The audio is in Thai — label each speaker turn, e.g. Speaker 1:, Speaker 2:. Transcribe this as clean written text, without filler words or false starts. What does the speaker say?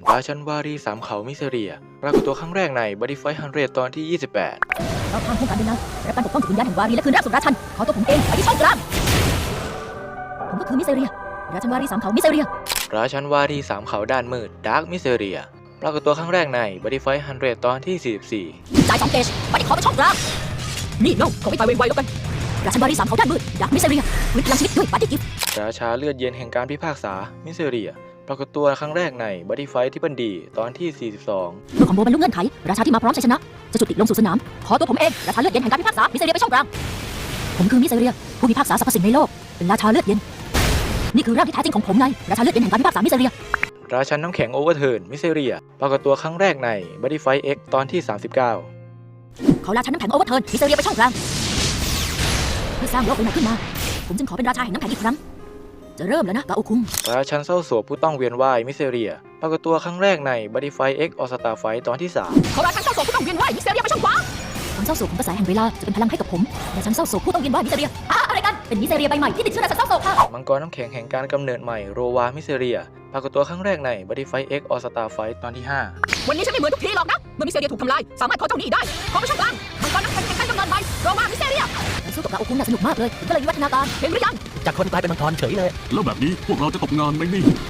Speaker 1: ราชันวารีสามเขามิเซเรียปรากฏตัวครั้งแรกใน Body Fight 100 ตอนที่ 28
Speaker 2: เราทางโครงการเดินหน้ารับการปกป้องจากวิญญาณแห่งวารีและคืนร่างสู่ราชันขอตัวผมเองไปที่ช่องกลางผมก็คือมิเซเรียราชันวารีสามเขามิเซเรีย
Speaker 1: ราชันวารีสามเขาด้านมืดดาร์กมิเซเรียปรากฏตัวครั้งแรกใน Body Fight 100 ตอนที่ 44
Speaker 2: จ่าย2 เกจไปที่ขอไปช่องกลางนี่น้องขอไปตายไวๆแล้วกันราชันวารีสามเขาด้านมืดดักมิเซเรียฟื้นพลังชีวิตด้วยปาร์ตี้กิฟต์
Speaker 1: ราชาเลือดเย็นแห่งการพิพากษามิเซเรียปรากฏตัวครั้งแรกใน Body Fight ที่บันดีตอนที่ 42
Speaker 2: เมื่อคอมโบบรรลุเงื่อนไขราชาที่มาพร้อมชัยชนะจะจุติลงสู่สนามขอตัวผมเองราชาเลือดเย็นแห่งการพิพากษามิเซเรียไปช่องกลางผมคือมิเซเรียผู้พิพากษาสรรพสิ่งในโลกเป็นราชาเลือดเย็นนี่คือร่างที่แท้จริงของผมไงราชาเลือดเย็นแห่งการพิพากษามิเซเรีย
Speaker 1: ราชันน้ำแข็งโอเวอร์เทิร์นมิเซเรียปรากฏตัวครั้งแรกใน Body Fight X ตอนที่ 39
Speaker 2: เขาราชันน้ำแข็งโอเวอร์เทิร์นมิเซเรียไปช่องกลางเพื่อสร้างโลกใหม่ขึ้นมาผมจึงขอเป็นราชาแห่งน้ำแข็งอีกครั้งจะเริ่มแล้วนะกาโอคุง
Speaker 1: ราชันเศร้าโศกผู้ต้องเวียนว่ายมิเซเรียปรากฏตัวครั้งแรกใน Body Fight X All Star Fight ตอนที่
Speaker 2: เขาราชันเศร้าโศกผู้ต้องเวียนว่ายมิเซเรียไปช่องขวาความเศร้าโศกของกระแสแห่งเวลาจะเป็นพลังให้กับผมราชันเศร้าโศกผู้ต้องเวียนว่ายมิเซเรียอะไรกันเป็นมิเซเรียใบใหม่ที่ติดเชื้อราชันเศร้าโศกค่ะ
Speaker 1: 3 มังกรน้ำแข็งแห่งการกำเนิดใหม่โรวามิเซเรียปรากฏตัวครั้งแรกใน Body Fight X All Star Fight ตอนที่
Speaker 2: วันนี้ฉันไม่เหมือนทุกทีหรอกนะเมื่อมิเซเรียถูกทำลายสามารถขอเจ้าหนี้ได้ขอไปช่องกลางมังกรน้ำแข็งแห่งการกำเนิดใหม่โรมามิเซเรียการสู้กับกาโอคุงน่าสนุกมากเลยผมก็เลยวิวัฒนาการเห็นหรือยัง
Speaker 3: จากคนกลายเป็นมังกรเฉยเลย
Speaker 4: แล้วแบบนี้พวกเราจะตกงานไหมนี่